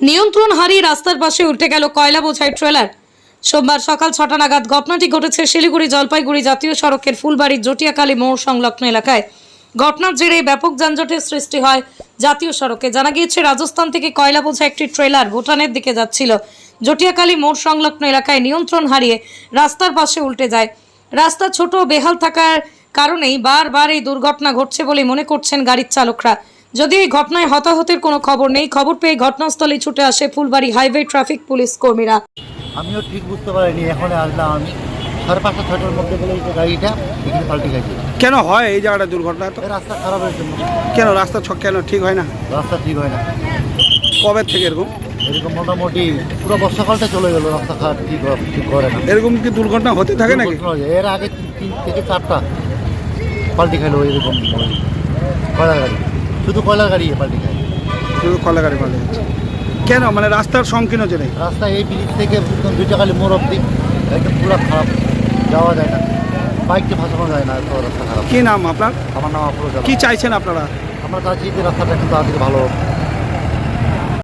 নিয়ন্ত্রণ হারিয়ে রাস্তার পাশে উল্টে গেল কয়লা বোঝাই ট্রেলার। সোমবার সকাল 6টা নাগাদ ঘটনাটি ঘটেছে শিলিগুড়ি জলপাইগুড়ি জাতীয় সড়কের ফুলবাড়ির জটিয়াকালী মোড় সংলগ্ন এলাকায়। ঘটনার জেরে ব্যাপক যানজটের সৃষ্টি হয় জাতীয় সড়কে। জানা গিয়েছে রাজস্থান থেকে কয়লা বোঝা একটি ট্রেলার ভুটানের দিকে যাচ্ছিল। জটিয়াকালী মোড় সংলগ্ন এলাকায় নিয়ন্ত্রণ হারিয়ে রাস্তার পাশে উল্টে যায়। রাস্তা ছোট বেহাল থাকার কারণেই বারবার এই দুর্ঘটনা ঘটছে বলে মনে করছেন গাড়ির চালকরা। যদিও এই ঘটনায় হতাহতের কোনো খবর নেই, খবর পেয়ে ঘটনাস্থলে ছুটে আসে ফুলবাড়ি হাইওয়ে ট্রাফিক পুলিশ কর্মীরা। আমিও ঠিক বুঝতে পারিনি, এখন আসলাম আমি 5:30-6টার মধ্যে বলে যে গাড়িটা এখানে পাল্টে গেছে। কেন হয় এই জায়গাটা দুর্ঘটনা? তো এই রাস্তা খারাপের জন্য। কেন রাস্তা কেন ঠিক হয় না? রাস্তা ঠিক হয় না। কবে থেকে এরকম? এরকম মোটামুটি পুরো বর্ষাকালটা চলে গেল, রাস্তা খারাপ ঠিক করে না। এরকম কি দুর্ঘটনা হতে থাকে নাকি? দুর্ঘটনা হয়। এর আগে 3 থেকে 4টা পাল্টি খাইলো এরকম কয়লার গাড়ি, শুধু কয়লার গাড়ি পাল্টি খায়। শুধু কলা গাড়ি পাল্টে যাচ্ছে কেন? মানে রাস্তার সংকীর্ণ জেনে রাস্তা এই ব্রিজ থেকে জটিয়াকালী মোড় অব্দি একদম পুরো খারাপ, যাওয়া যায় না, বাইককে ফাঁসানো যায় না, এত রাস্তা খারাপ। কি নাম আপনার? আমার নাম আফরোজ। কি চাইছেন আপনারা? আমরা চাচ্ছি যে রাস্তাটা একটু তাড়াতাড়ি ভালো হোক।